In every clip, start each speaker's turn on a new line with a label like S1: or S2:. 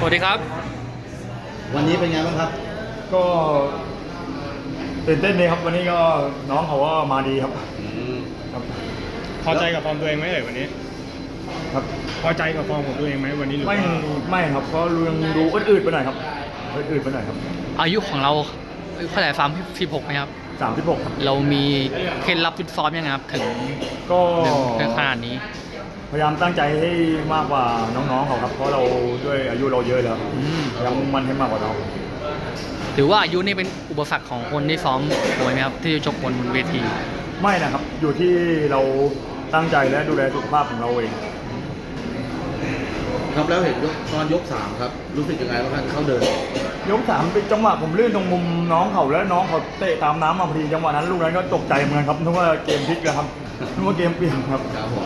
S1: สวัสดีครับ
S2: วันนี้เป็นไงบ้างครับ
S3: ก็ตื่นเต้นเลยครับวันนี้ก็น้องเขาก็มาดีครับครับ
S1: พอใจกับฟอร์มตัวเองไหมวันนี้
S3: ครับ
S1: พอใจกับฟอร์มของตัวเองไหมวันนี้หรือว่า
S3: ไม่ครับเพราะยังดูอืดๆไปหน่อยครับอืดๆไปหน่อยครับ
S4: อายุของเราเท่าไหร่ฟาร์ม16ไหมครับ
S3: 36ครับ
S4: เรามีเคล็ดลับฟิตซ้อมยังไงครับถึง
S3: ก็
S4: ถึงขนาดนี้
S3: พยายามตั้งใจให้มากกว่าน้องๆเขาครับเพราะเราด้วยอายุเราเยอะแล้วพยายามมุ่งมั่นให้มากกว่าน้อง
S4: ถือว่าอายุนี่เป็นอุปสรรคของคนที่ซ้อมมวยไหมครับที่จะชกบนเวที
S3: ไม่นะครับอยู่ที่เราตั้งใจและดูแลสุขภาพของเราเอง
S2: ครับแล้วเห็นตอนยก3ครับรู้สึกยังไงบ้างครับเขาเดิน
S3: ยก3เป็นจังหวะผมลื่นตรงมุมน้องเขาแล้วน้องเขาเตะตามน้ำมาพอดีจังหวะนั้นลูกนั้นก็ตกใจเหมือนกันครับนึกว่าเกมพลิกแล้วครับนึกว่าเกมเปลี่ยนครับ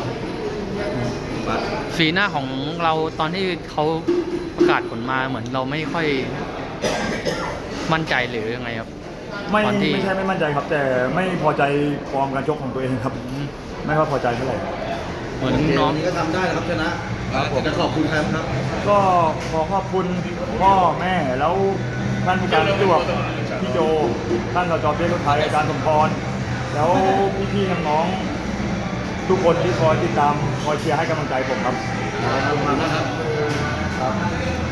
S4: สีหน้าของเราตอนที่เขาประกาศผลมาเหมือนเราไม่ค่อยมั่นใจหรือยังไงครับ
S3: ไม่ใช่ไม่มั่นใจครับแต่ไม่พอใจฟอร์มการชกของตัวเองครับไม่ค่อยพอใจเท่าไหร่
S4: เหมือนน้อง
S2: นี้ก็ทำได้นะครับชนะครับผมจะขอบคุณใครครับ
S3: ก็ขอขอบคุณพ่อแม่แล้วท่านผู้การจวบพี่โจท่านสจเบี้ยรถไทยอาจารย์สมพรแล้วพี่ๆน้องๆทุกคนที่คอยติดตามคอยเชียร์ให้กำลังใจผมครับ
S2: ขอบคุณมากนะครับ